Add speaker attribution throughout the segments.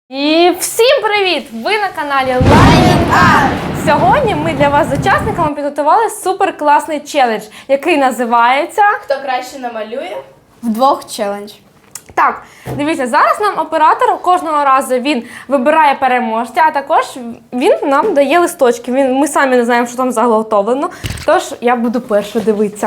Speaker 1: І всім привіт! Ви на каналі Lion Art! Сьогодні ми для вас з учасниками підготували супер класний челендж, який називається
Speaker 2: Хто краще намалює?
Speaker 3: Вдвох челендж.
Speaker 1: Так, дивіться, зараз нам оператор кожного разу він вибирає переможця, а також він нам дає листочки. Ми самі не знаємо, що там заготовлено, тож я буду перша дивитися.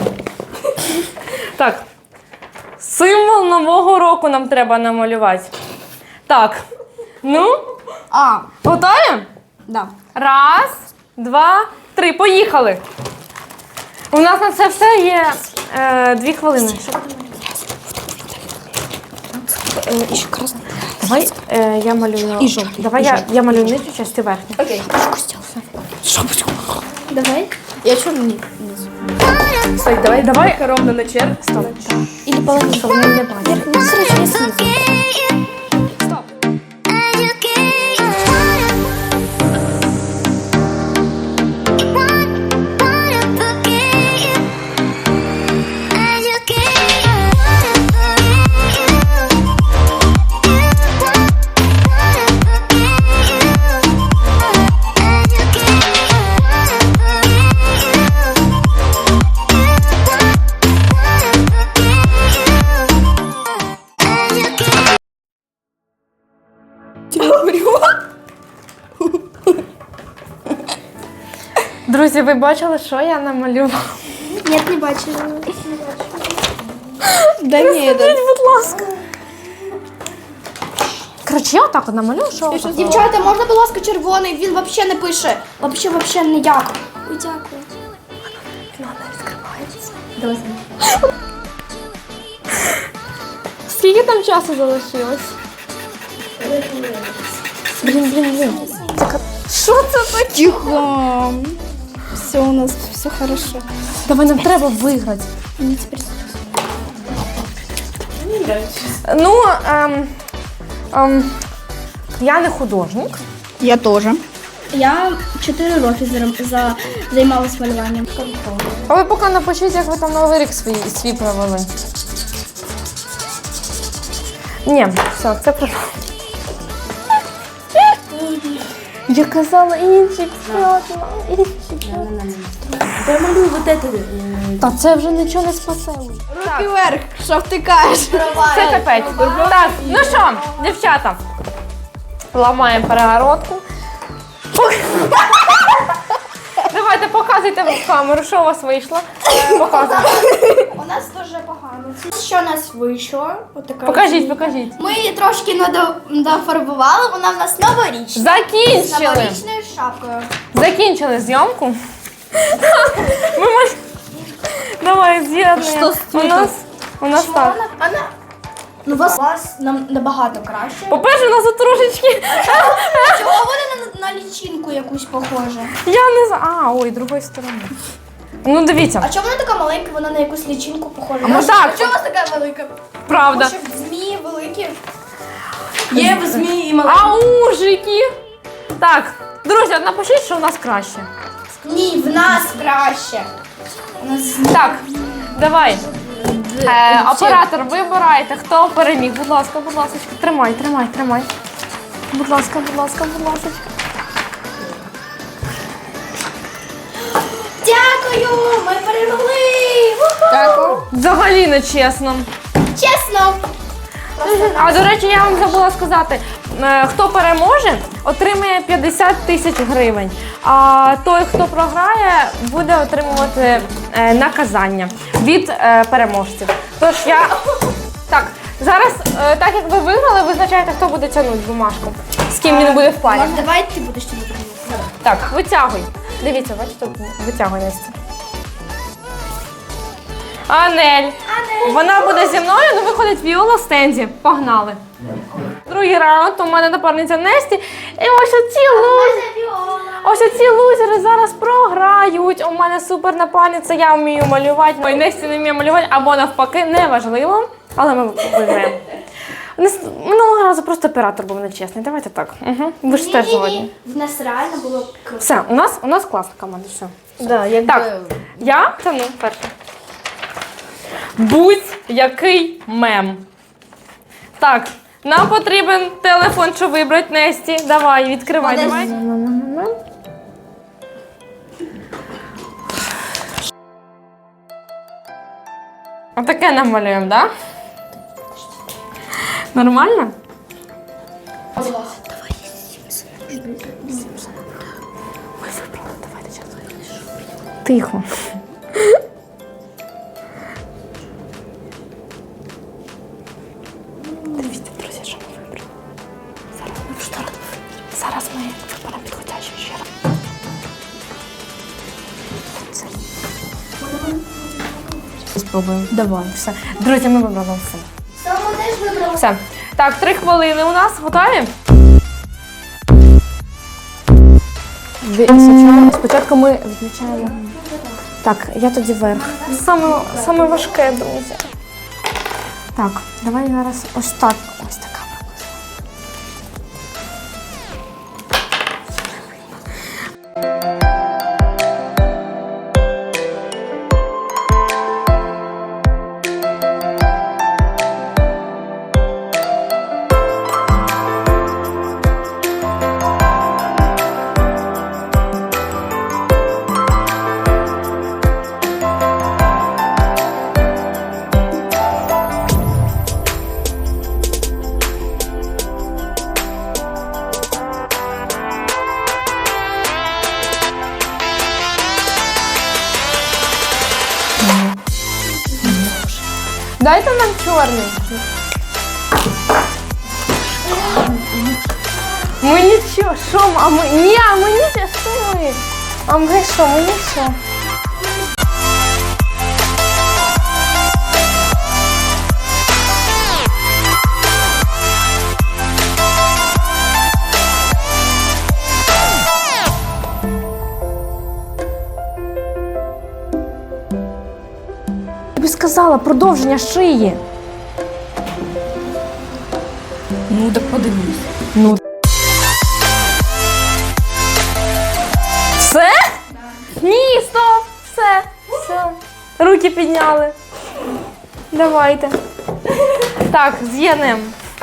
Speaker 1: Так, символ Нового року нам треба намалювати. Так, ну, готові?
Speaker 3: Да.
Speaker 1: Раз, два, три, поїхали. У нас на це все є 2 хвилини.
Speaker 3: Еще красный.
Speaker 1: Давай я малюю.
Speaker 3: І жовтий,
Speaker 1: Давай
Speaker 3: і
Speaker 1: я,
Speaker 3: жовтий.
Speaker 1: я малюю нижню частину, ти верхню.
Speaker 2: Окей.
Speaker 3: Давай. Я черный.
Speaker 2: Стой, давай ровно на черг.
Speaker 1: Стоп.
Speaker 3: Или половину.
Speaker 1: Щоб вони не бачили.
Speaker 3: Ну, срочно, я снизу.
Speaker 1: Стоп. Друзі, ви бачили, що я намалювала?
Speaker 3: Нет, не бачила. Да нет.
Speaker 1: Будь ласка. Коротше, я отак от намалюю, що отак.
Speaker 3: Дівчата, можна, будь ласка, червоний? Він взагалі не пише. Взагалі ніяк. Ой, дякую.
Speaker 1: Вона відкривається. Скільки там часу залишилось? Блін. Що це таке?
Speaker 3: Тихо. Все у нас, все хорошо.
Speaker 1: Давай, нам треба виграти.
Speaker 3: Мне теперь...
Speaker 1: Ну, я не художник.
Speaker 3: Я тоже. Я 4 роки займалась малюванням.
Speaker 1: А ви поки напишіть, як ви там Новий рік свій провели. Ні, все, це про... Я казала інші.
Speaker 2: Я малюю вот это.
Speaker 1: Та це вже нічого не спасе.
Speaker 3: Руки вверх, що втикаєш?
Speaker 1: Це капець. Так, ну що, дівчата, ламаємо перегородку. Давайте показуйте в камеру, що у вас вийшло. Показуйте.
Speaker 3: У нас дуже погано. Що у нас вийшло? Отака.
Speaker 1: Покажіть.
Speaker 3: Ми її трошки дофарбували, вона в нас новорічна. З
Speaker 1: Закінчили.
Speaker 3: новорічною шапкою.
Speaker 1: Закінчили зйомку. Давай, з'єднуємо. У нас так.
Speaker 3: Ну, у вас нам набагато краще.
Speaker 1: По-перше, у нас тут трошечки.
Speaker 3: Чого вони на лічинку якусь похожа?
Speaker 1: Я не знаю. Ой, другої сторони. Ну, дивіться.
Speaker 3: А чому вона така маленька, вона на якусь лічинку похожа?
Speaker 1: Ну, так.
Speaker 3: А чому у вас така велика?
Speaker 1: Правда.
Speaker 3: Тому що змії великі.
Speaker 2: Є в змії і маленькі.
Speaker 1: А ужики. Так, друзі, от напишіть, що у нас краще.
Speaker 3: Ні, в нас краще. У нас
Speaker 1: Так, давай. Оператор, вибирайте, хто переміг. Будь ласка. Тримай. Будь ласка.
Speaker 3: Дякую! Ми перемогли!
Speaker 1: Дякую. Взагалі не чесно.
Speaker 3: Чесно!
Speaker 1: А, до речі, я вам забула сказати, хто переможе, отримає 50 тисяч гривень. А той, хто програє, буде отримувати наказання від переможців. Тож я... Так, зараз, так як ви виграли, визначайте, хто буде тягнути бумажку. З ким він буде в парі.
Speaker 3: Може, давай ти будеш тобі перемогти.
Speaker 1: Так, витягуй. Дивіться, бачите, витягуй Настя. Анель. Вона буде зі мною, ну виходить Віола в стенді. Погнали. Другий раунд, у мене напарниця Несті. І ось оці лузери зараз програють. У мене супер напарниця, я вмію малювати. Ой, Несті не вміє малювати, або навпаки, неважливо. Але ми виграємо. Минулого разу просто оператор був нечесний. Давайте так. Угу. Ви ж теж згодні.
Speaker 3: В нас реально було круто.
Speaker 1: Все, у нас класна команда. Все.
Speaker 2: Да, якби...
Speaker 1: Так, я тяну перше. Будь-який мем. Так, Нам потрібен телефон, щоб вибрати Несті. Давай, відкривай. Давай. Отаке намалюємо, так? Да? Нормально? Тихо. Дивіться, друзі, що ми вибрали. Зараз ми виберемо підходящу ще раз. Спробуємо. Давай. Все. Друзі, ми вибрали все.
Speaker 3: Саме теж вибрала.
Speaker 1: Все. Так, 3 хвилини у нас. Готові? Спочатку ми відмічаємо. Так, я тоді вверх. Саме важке, друзі. Так, давай зараз ось так. Ось така. Дайте нам чорний. Ми нічого, що? А ми... Ні, а ми нічого, що ми? А ми що, ми нічого. Тобі сказала, продовження шиї.
Speaker 2: Ну, так подивись.
Speaker 1: Ну. Все? Ні, стоп! Все. Все. Руки підняли. Давайте. Так, з'єднемо.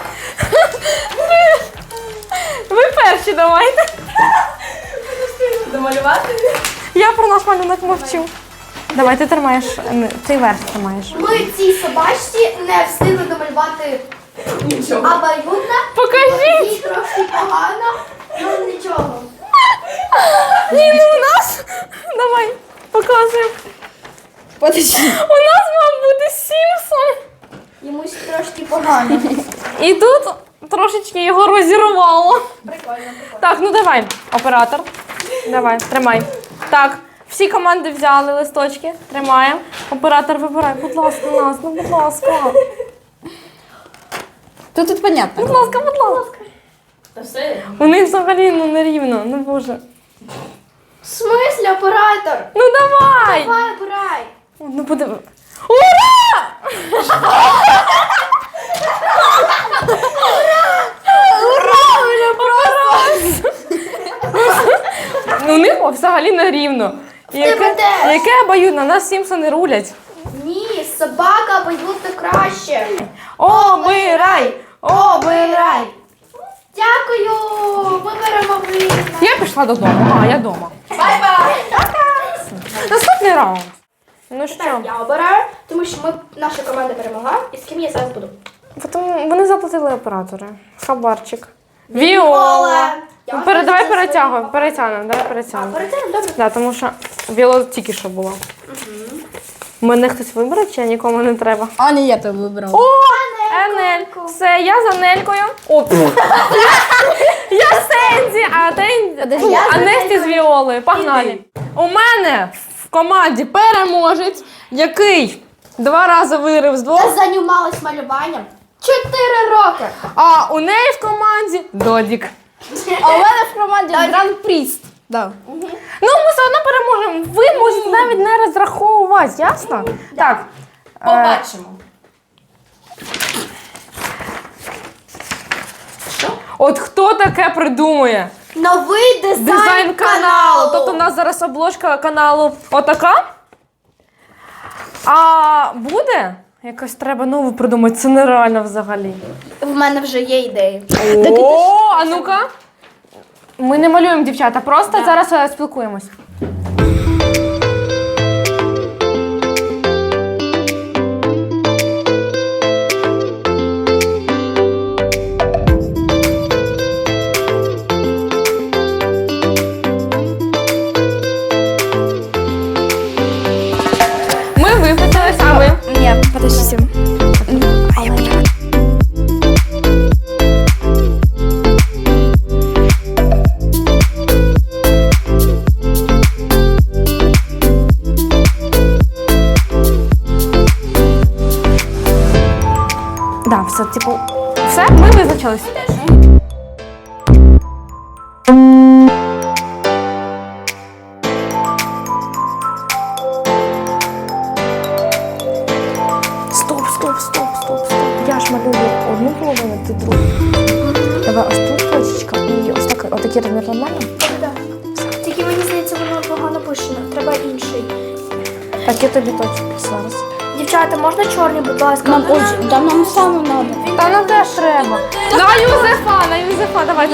Speaker 1: Ви перші давайте.
Speaker 2: Домалювати?
Speaker 1: Я про наш малюнок мовчу. Давай, ти тримаєш, ти верх тримаєш.
Speaker 3: Ми цій собачці не встигли домалювати
Speaker 2: Нічого.
Speaker 3: абсолютно.
Speaker 1: Покажіть!
Speaker 3: Їй трошки погано, ну нічого.
Speaker 1: Ні, не у нас. Давай, показуємо.
Speaker 2: Подожди.
Speaker 1: У нас мав бути Сімпсон.
Speaker 3: Йомусь трошки погано.
Speaker 1: І тут трошечки його розірвало.
Speaker 3: Прикольно.
Speaker 1: Так, ну давай, оператор. Давай, тримай. Так, всі команди взяли листочки. Тримаємо. Оператор вибирай. Будь ласка, нас, ну будь ласка.
Speaker 2: Тут понятно.
Speaker 1: Будь ласка, будь ласка.
Speaker 2: Та все.
Speaker 1: У них взагалі ну нерівно, ну боже.
Speaker 3: В смислі, оператор?
Speaker 1: Ну давай!
Speaker 3: Давай, обирай.
Speaker 1: Ну буде. Ура! Ура! Ну, у них взагалі нерівно.
Speaker 3: тебе теж.
Speaker 1: Яке обоюдно? Нас Сімпсони рулять.
Speaker 3: Ні, собака абсолютно краще.
Speaker 1: Обирай! Обирай!
Speaker 3: Дякую, ми беремо вина.
Speaker 1: Я пішла додому. А, я вдома.
Speaker 3: Бай-бай.
Speaker 1: Наступний раунд. Ну що?
Speaker 3: Так, я обираю, тому що наша команда перемогла. І з ким я зараз буду?
Speaker 1: Вони заплатили оператори. Хабарчик. Віола.
Speaker 3: Я
Speaker 1: Ну,
Speaker 3: вас
Speaker 1: давай
Speaker 3: дуже
Speaker 1: перетягуємо. Перетягнемо, давай
Speaker 3: А,
Speaker 1: перетягнемо.
Speaker 3: перетягнемо, добре.
Speaker 1: Да, тому що Віола тільки що була. Мене хтось вибере, чи нікому не треба?
Speaker 2: А, не я то вибрав.
Speaker 1: О, Енель. Все, я за Нелькою. О, я Сензі, а Несті з Віолою. Погнали. У мене в команді переможець, який 2 рази вирив з 2.
Speaker 3: Я займалась малюванням 4 роки.
Speaker 1: А у неї в команді Додік.
Speaker 2: А у мене в команді Гран-пріст. Да.
Speaker 1: Ну, ми все одно переможемо. Ви можете навіть не розраховувати, ясно? Так.
Speaker 2: Побачимо.
Speaker 1: От хто таке придумує?
Speaker 3: Новий
Speaker 1: Дизайн каналу. Тобто у нас зараз обложка каналу отака. А буде Якось треба нову придумати, це нереально взагалі.
Speaker 3: В мене вже є ідеї.
Speaker 1: О, а ну-ка. Ми не малюємо, дівчата, просто зараз спілкуємось. Ми виписались, а ви?
Speaker 3: Ні, подождите.
Speaker 1: Да, все, типу, все, ми визначились. Стоп. Я ж малюю одну половину, ти другу. Давай ось тут точечка і ось так, отакий розмір нормально?
Speaker 3: Тільки мені здається, воно погано пишено. Треба інший.
Speaker 1: Так, я тобі точку зараз.
Speaker 3: Дівчата, можна чорний, будь ласка?
Speaker 2: Нам саме треба.
Speaker 1: Та нам теж треба. На Юзефа, давай.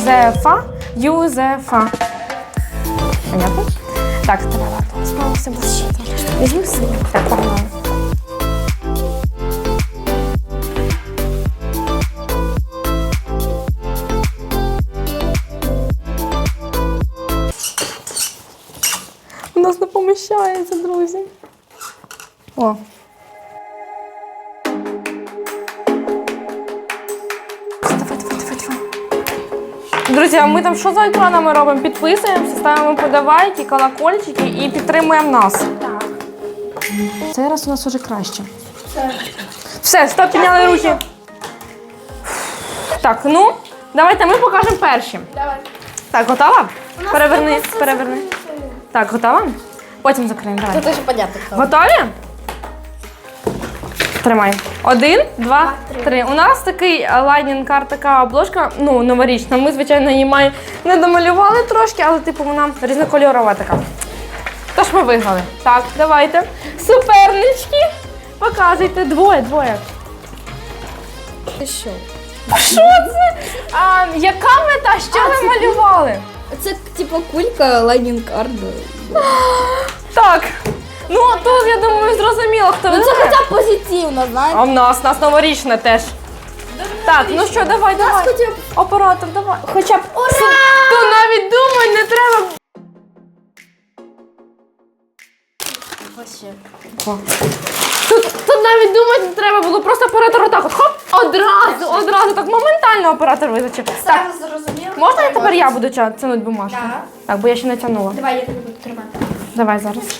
Speaker 1: Юзефа. Понятно? Так, давай, ладно, справимося без щита. Візьми синю. Так, погнали. У нас не поміщається, друзі. О. Давай. Друзі, а ми там що за екранами робимо? Підписуємося, ставимо подавайки, колокольчики і підтримуємо нас.
Speaker 3: Так.
Speaker 1: Цей раз у нас уже краще. Все, стоп, підняли руки. Так, ну, давайте ми покажемо перші.
Speaker 3: Давай.
Speaker 1: Так, готова? Переверни. Так, готова? Потім закриємо, давай.
Speaker 3: Тут вже понятно.
Speaker 1: Готові? Тримай. 1, 2, 3. У нас такий лайнінг-карт, така обложка, ну, новорічна. Ми, звичайно, її не домалювали трошки, але, типу, вона різнокольорова така. Тож ми виграли. Так, давайте. Супернички. Показуйте. Двоє.
Speaker 2: Ти що?
Speaker 1: Що це? Яка мета? Що ви малювали?
Speaker 2: Це типу кулька лайнінг-карт.
Speaker 1: Так. Ну, тут, я думаю, зрозуміло, хто
Speaker 2: Ну це
Speaker 1: виграє.
Speaker 2: хоча б позитивно, знаєш?
Speaker 1: А в нас новорічне теж. Так, ну що, давай. Оператор, давай.
Speaker 2: Хоча б
Speaker 1: То навіть думай, не треба. Тут навіть думати не треба було, просто оператор отак от, хоп, одразу, так моментально оператор визначив. Так,
Speaker 3: Зараз зрозуміло.
Speaker 1: можна тепер я буду тягнути бумажку?
Speaker 3: Так.
Speaker 1: Так, бо я ще не тягнула.
Speaker 3: Давай, я тебе буду тримати.
Speaker 1: Давай зараз.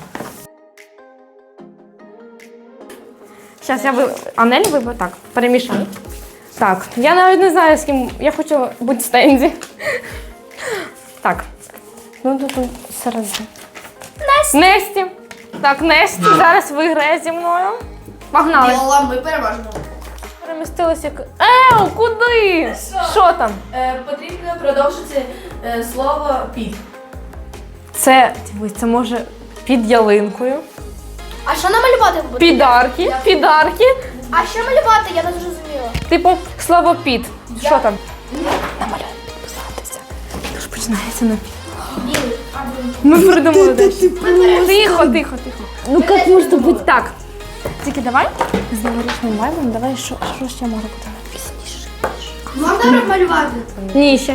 Speaker 1: Зараз я Анель виберу, так, перемішаю. Так, я навіть не знаю, з ким, я хочу бути в стенді. Так, ну тут середину. Несті. Так, Несті зараз виграє зі мною. Погнали.
Speaker 3: Біла, ми переможемо.
Speaker 1: Перемістилися як... куди? Що там?
Speaker 2: потрібно продовжити слово під.
Speaker 1: Це, дивись, це може під ялинкою.
Speaker 3: А що намалювати буде?
Speaker 1: Підарки.
Speaker 3: А що малювати? Я не зрозуміла.
Speaker 1: Типу, слово під. Що там? Намалюємо підписатися. Тож починається на під.
Speaker 3: Білий.
Speaker 1: Ми придумали дещо. Тихо. Ну як можна бути так? Тільки давай з новорічним вайбом, давай, що ще може бути пізніше?
Speaker 3: Можна малювати?
Speaker 1: Ні, ще.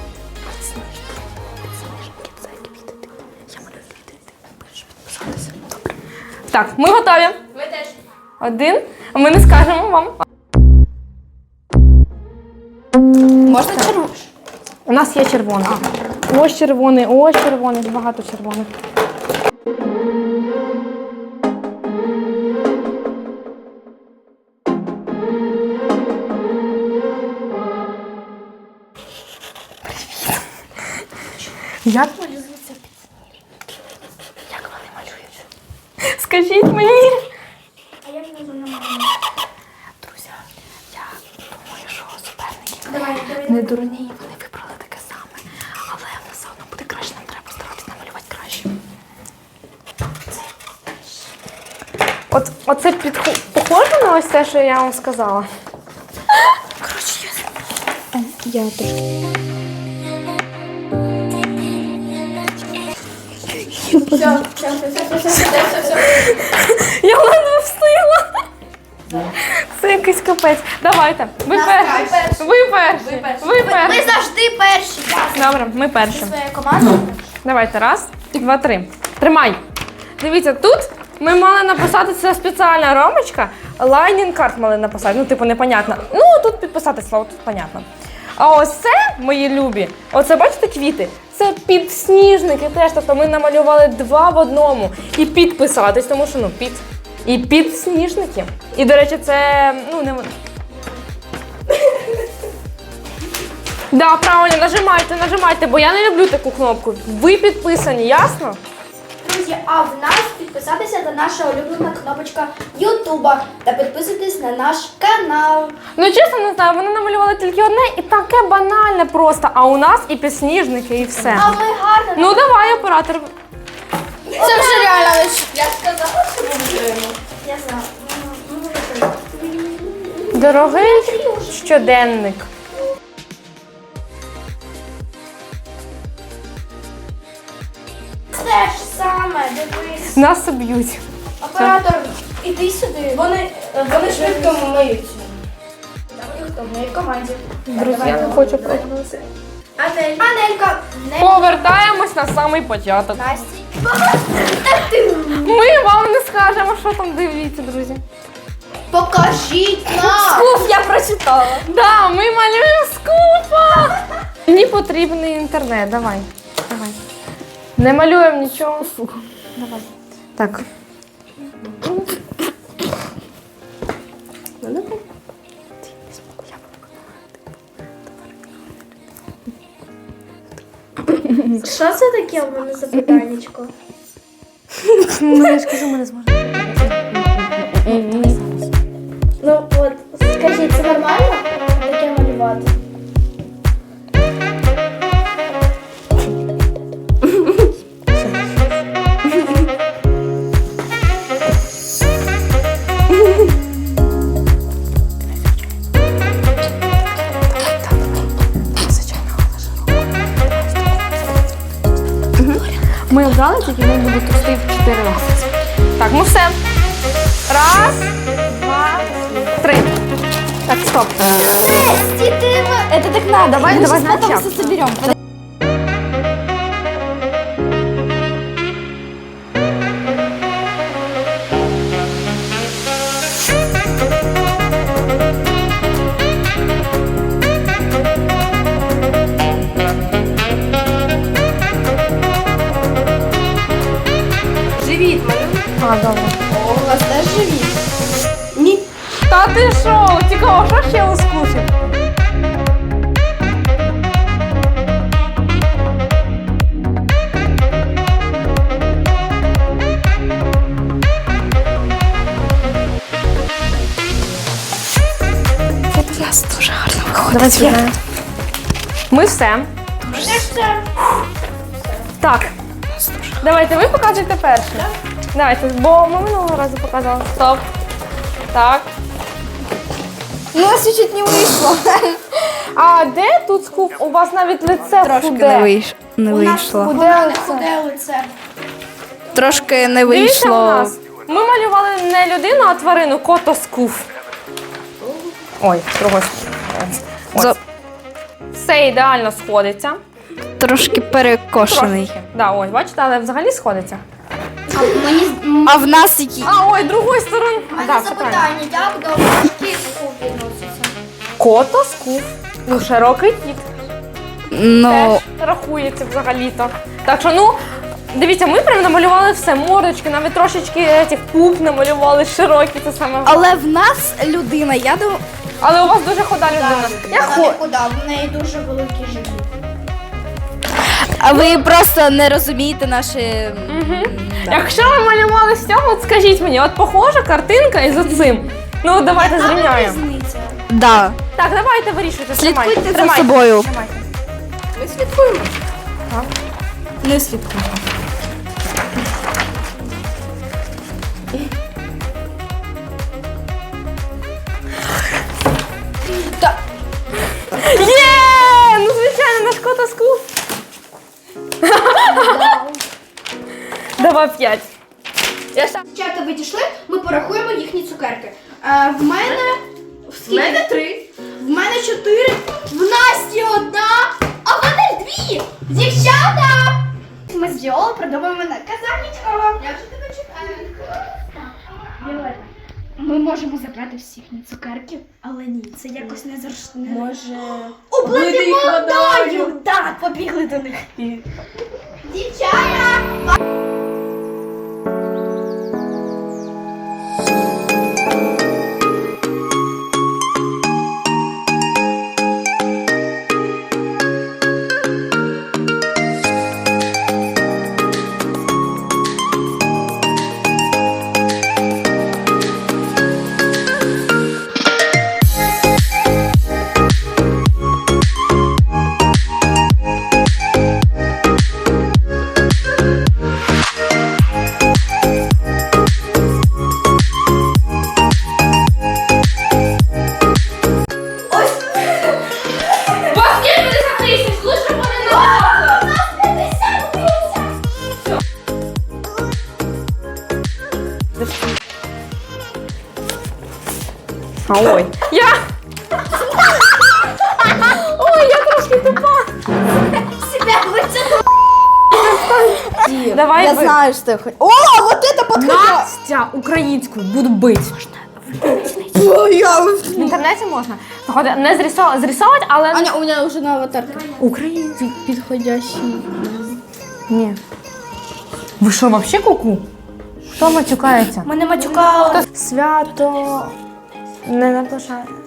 Speaker 1: Так, ми готові.
Speaker 3: Ви теж.
Speaker 1: 1. А ми не скажемо вам.
Speaker 2: Можна червоно?
Speaker 1: У нас є червоний. Ось червоний, багато червоних. Як малюються підсніжники? Як вони малюються? Скажіть мені.
Speaker 3: А я не знаю.
Speaker 1: Друзі, я думаю, що суперники
Speaker 3: Давай.
Speaker 1: не дурні, вони вибрали таке саме. Але все одно буде краще, нам треба старатися намалювати краще. Оце похоже на ось те, що я вам сказала?
Speaker 3: Я трошки.
Speaker 2: Все.
Speaker 1: Я ледве встигла. Це якийсь капець. Давайте. Ви перші. Ви перші. Ви
Speaker 3: Ми
Speaker 1: перші.
Speaker 3: завжди перші. Ясно.
Speaker 1: Добре, ми перші.
Speaker 3: Своя команда.
Speaker 1: Давайте. Раз, два, три. Тримай. Дивіться, тут ми мали написати, це спеціальна рамочка. Лайнінг карт мали написати. Ну, типу, непонятно. Ну, тут підписати слово, тут понятно. А ось це, мої любі, оце бачите квіти? Це підсніжники теж. Тобто ми намалювали два в одному. І підписатись, тому що, ну, під. І підсніжники. І, до речі, це, ну, не... Да, правильно, нажимайте, бо я не люблю таку кнопку. Ви підписані, ясно?
Speaker 3: Друзі, а в нас підписатися на наша улюблена кнопочка Ютуба та підписуйтесь на наш канал.
Speaker 1: Ну, чесно, не знаю, вони намалювали тільки одне і таке банальне просто. А у нас і підсніжники, і все.
Speaker 3: А ми гарно.
Speaker 1: Ну, давай, оператор.
Speaker 3: Це вже реально лише.
Speaker 2: Я сказала, що ми виграємо.
Speaker 3: Я знаю.
Speaker 1: Дорогий щоденник.
Speaker 3: Те ж саме, дивись.
Speaker 1: Нас об'ють.
Speaker 3: Оператор, іди сюди.
Speaker 2: Вони швидко миються.
Speaker 3: Хто в моїй команді?
Speaker 1: Друзі, я не хочу прогнути.
Speaker 3: Анелька.
Speaker 1: Повертаємось на самий початок.
Speaker 3: Насті.
Speaker 1: Ми вам не скажемо, що там, дивіться, друзі.
Speaker 3: Покажіть нам.
Speaker 2: Скуф, я прочитала.
Speaker 1: Да, ми малюємо скупа. Мені потрібний інтернет, давай. Не малюємо нічого. Давай. Так.
Speaker 3: Що це таке у мене запитаннячко?
Speaker 1: Ну, я ж кажу, ми не зможемо.
Speaker 3: Ну от, скажіть, це нормально таке малювати?
Speaker 1: Ми обрали, тільки він буде трусти в 4 рази. Так, ну все. Раз, два, три. Так, стоп.
Speaker 3: Это так надо.
Speaker 1: Давай, давай,
Speaker 3: потом
Speaker 1: начал.
Speaker 3: все соберем.
Speaker 2: Живіт малюй.
Speaker 1: А, добре.
Speaker 3: О, у вас теж живіт.
Speaker 2: Ні.
Speaker 1: Та ти що? Цікаво, що ще ускусив? Давай сюди. Ми все. Так. Давайте ви показуєте перше. Давайте, бо ми минулого разу показали. Стоп. Так.
Speaker 3: У нас чуть-чуть не вийшло.
Speaker 1: А де тут скуп? У вас навіть лице
Speaker 4: Трошки
Speaker 1: худе.
Speaker 4: не вийшло.
Speaker 3: Худе лице.
Speaker 4: Трошки не
Speaker 1: Дивіться у
Speaker 4: вийшло.
Speaker 1: нас. Ми малювали не людину, а тварину, кото скуф. Ой, другой.
Speaker 4: За-
Speaker 1: Все ідеально сходиться.
Speaker 4: Трошки перекошений.
Speaker 1: Трошки. Да, ось, бачите, але взагалі сходиться.
Speaker 4: А в нас які?
Speaker 1: А, ой, другою стороною.
Speaker 3: У мене
Speaker 1: Да, все правильно.
Speaker 3: запитання, як до важких скуп відноситься?
Speaker 1: Кото скуф. Ну, широкий кіт.
Speaker 4: Ну,
Speaker 1: Теж рахується взагалі-то. Так що, ну, дивіться, ми прям намалювали все, мордочки, навіть трошечки цих пуп намалювали широкі, це саме.
Speaker 4: але в нас людина, я думаю.
Speaker 1: Але у вас дуже хода людина. Я
Speaker 3: Вона не худа, в неї дуже великий живіт.
Speaker 4: А ви просто не розумієте наші.
Speaker 1: Якщо ви малювали з цього, от скажіть мені, от похожа картинка із оцим. Ну, давайте зрівняємо.
Speaker 3: Різниця.
Speaker 4: Да.
Speaker 1: Так, давайте вирішуйте.
Speaker 4: Слідкуйте за
Speaker 1: Тримайте.
Speaker 4: собою.
Speaker 1: Тримайте.
Speaker 2: Ми слідкуємо.
Speaker 4: Не слідкуйте.
Speaker 1: Є! Ну, звичайно, наш кота скуф. Давай 5.
Speaker 3: Дівчата відійшли, ми порахуємо їхні цукерки. В мене...
Speaker 2: В мене 3.
Speaker 3: В мене 4, в Насті 1, а в мене 2. Дівчата! Ми з Діолою придумаємо наказаннячко. Я вже тебе чекаю. Віолета, ми можемо забрати всі їхні цукерки, але ні, це якось не зручно.
Speaker 2: Може...
Speaker 3: Облити
Speaker 2: їх
Speaker 3: водою! Так, побігли до них. Дівчата!
Speaker 1: У вас є 50 тисяч, лучше б вони не Ой. Я... Ой, я трошки тупа.
Speaker 3: Себя витягнула.
Speaker 1: Давай
Speaker 4: Я
Speaker 1: ви.
Speaker 4: знаю, что я хочу. О, вот это подходит!
Speaker 1: Настя, українською, буду бити. В інтернеті можна. Заходи, не зрисовувати, але...
Speaker 4: Аня, у меня уже на аватарке.
Speaker 1: Українською.
Speaker 4: Подходящий.
Speaker 1: Ні. Ви що, вообще куку? Хто матюкається?
Speaker 3: Ми не матюкали.
Speaker 1: Свято не наближає.